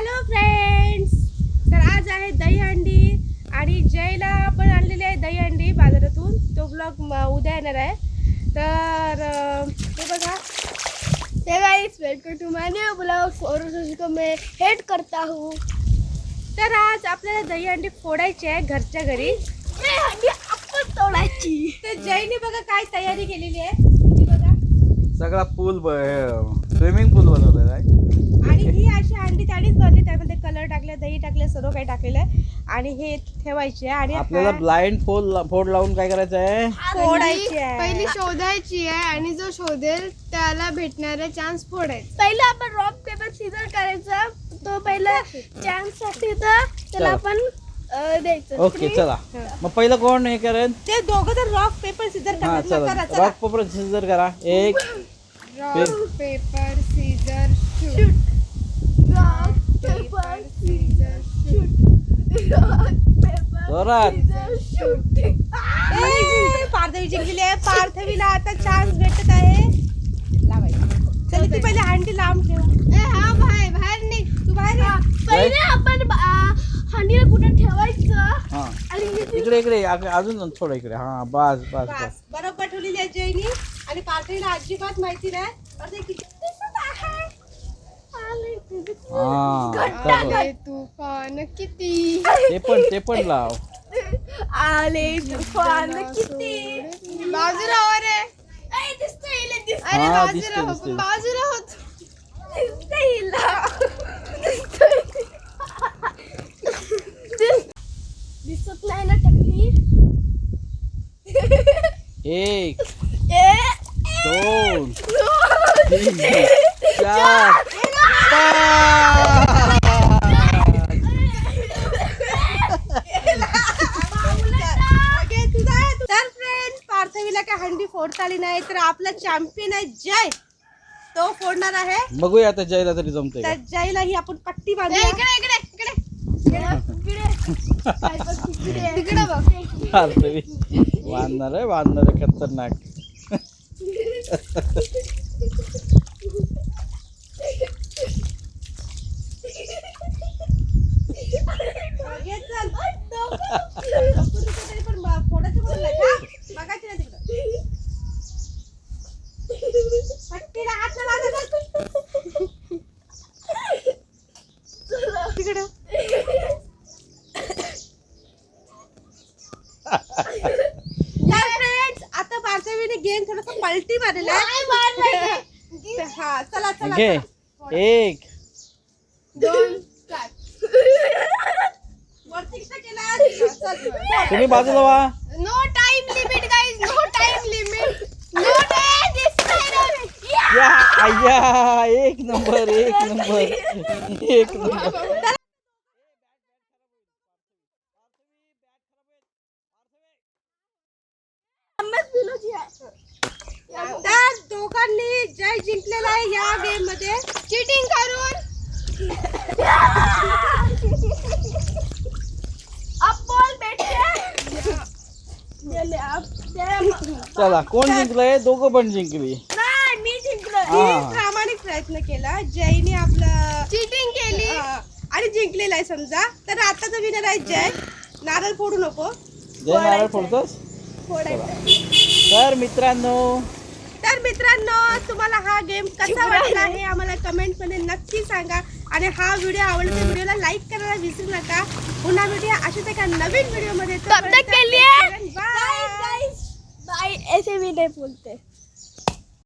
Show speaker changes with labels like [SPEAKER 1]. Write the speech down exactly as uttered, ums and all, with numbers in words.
[SPEAKER 1] Hello friends, तर आज आहे दहीहंडी आणि जयला पण आणलेली आहे दहीहंडी बाजारातून. तो ब्लॉग उद्या येणार आहे. तर हे बघा, हे guys, welcome to my new blog और उसको मैं हेड करता हूँ. तर आज आपल्याला दहीहंडी फोडायची आहे घरच्या घरी. दहीहंडी आपण तोडायची. तर जयने बघा काय तयारी केलेली आहे. बघा
[SPEAKER 2] सगळा पूल स्विमिंग पूल बनवलेला आहे
[SPEAKER 1] आणि ही अशी अंडी त्याडीच बनली. त्यामध्ये कलर टाकले, दही टाकले, सर्व काही टाकलेलं आहे आणि हे ठेवायचे. आणि
[SPEAKER 2] आपल्याला ब्लाइंड फोड फोड लावून काय करायचं आहे,
[SPEAKER 1] फोडायची आहे.
[SPEAKER 3] पहिली शोधायची आहे आणि जो शोधेल त्याला भेटणारा चान्स फोडायचा.
[SPEAKER 1] पहिला आपण रॉक पेपर सीझर करायचा. तो पहिला चान्स साठी तर त्याला आपण द्यायचं.
[SPEAKER 2] ओके चला. मग पहिलं कोण हे करेल?
[SPEAKER 1] ते दोघं तर रॉक पेपर सीझर
[SPEAKER 2] हा
[SPEAKER 1] करा.
[SPEAKER 2] चला, रॉक पेपर सीझर करा. एक
[SPEAKER 3] rock paper scissor shoot.
[SPEAKER 1] Rock
[SPEAKER 3] paper scissor shoot.
[SPEAKER 1] Rock paper
[SPEAKER 2] जोरात.
[SPEAKER 1] शूट. पार्थवी जिंकलेली आहे. पार्थवीला आता चान्स भेटत आहे. लावायची. चल ती पहिले हंडी लांब ठेव.
[SPEAKER 3] ए हा बाहेर बाहेर निघ.
[SPEAKER 1] तू बाहेर ये. पहिले आपण हंडीला कुठे ठेवायचं
[SPEAKER 2] हा
[SPEAKER 1] आणि
[SPEAKER 2] इकडे इकडे अग- अजून थोडं इकडे. हा बस बस बस.
[SPEAKER 1] बस बरोबर ठेवलेली आहे जयनी. आणि पार्थवीला अजिबात माहिती नाही. आता किती दिसत आहे. आले तुझे.
[SPEAKER 2] हा चलो.
[SPEAKER 3] आले तुफान किती.
[SPEAKER 2] ते पण ते पण लाव.
[SPEAKER 1] आले तुफान किती.
[SPEAKER 3] बाजूला हो रे.
[SPEAKER 1] ए दिसतंय हिला, दिसतंय.
[SPEAKER 3] अरे
[SPEAKER 2] हा,
[SPEAKER 3] बाजूला
[SPEAKER 2] दिसतंय,
[SPEAKER 3] हो
[SPEAKER 2] दिसतंय.
[SPEAKER 3] बाजूला होत.
[SPEAKER 1] दिसतंय हिला. दिसतंय. दिसत नाही ना टकली.
[SPEAKER 2] एक
[SPEAKER 1] ए
[SPEAKER 2] दोन तीन चार पाच.
[SPEAKER 1] तर फ्रेंड, पार्थवीला काय हंडी फोडता आली नाही, तर आपला चॅम्पियन आहे जय. तो फोडणार आहे.
[SPEAKER 2] बघूया आता जयला तरी जमतंय का.
[SPEAKER 1] तर जयला ही आपण पट्टी
[SPEAKER 3] ए,
[SPEAKER 1] बांधूया.
[SPEAKER 3] इकडे इकडे इकडे
[SPEAKER 1] इकडे
[SPEAKER 3] तिकडे बघ.
[SPEAKER 2] पार्थवी बांधणार आहे, बांधणार आहे खतरनाक.
[SPEAKER 1] घे चल. आपण तरी पण फोडायचं बोलला का? बघायचं नाही तिकडं. पट्टीला हात नाही लावायचा. तिकडं. तर फ्रेंड्स, आता पार्थवीने गेम थोडंसं पलटी मारलेला आहे. हा चला चला
[SPEAKER 2] घे.
[SPEAKER 1] चला.
[SPEAKER 2] एक
[SPEAKER 3] दोन
[SPEAKER 1] वरती कसं केलं? चल.
[SPEAKER 2] तुम्ही बाजूला व्हा.
[SPEAKER 3] No time limit guys. No time limit. No time.
[SPEAKER 2] या आया, एक नंबर एक नंबर एक नंबर.
[SPEAKER 1] तर दोघांनी जय जिंकलेला आहे या गेम मध्ये
[SPEAKER 3] चीटिंग करून.
[SPEAKER 1] अब बॉल भेटते.
[SPEAKER 2] चला, कोण जिंकलंय? दोघं पण जिंकली.
[SPEAKER 1] नाही, मी जिंकलो.
[SPEAKER 2] हा.
[SPEAKER 1] मी प्रामाणिक प्रयत्न केला. जयने आपलं
[SPEAKER 3] चीटिंग केली.
[SPEAKER 1] हा, आणि जिंकलेला आहे समजा. तर आताचा विनर आहे जय. नारळ फोडू नको.
[SPEAKER 2] जय नारळ फोडतोस.
[SPEAKER 1] फोडायचं.
[SPEAKER 2] तर मित्रांनो,
[SPEAKER 1] तर मित्रांनो, तुम्हाला हा गेम कसा वाटला हे आम्हाला कमेंट मध्ये नक्की सांगा. आणि हा व्हिडिओ आवडला तर व्हिडिओला लाईक करायला विसरू नका. पुन्हा भेटूया अशाच एका नवीन व्हिडिओ मध्ये.
[SPEAKER 3] तब तक के लिए
[SPEAKER 1] बाय.
[SPEAKER 3] बाय. ऐसे भी नहीं बोलते.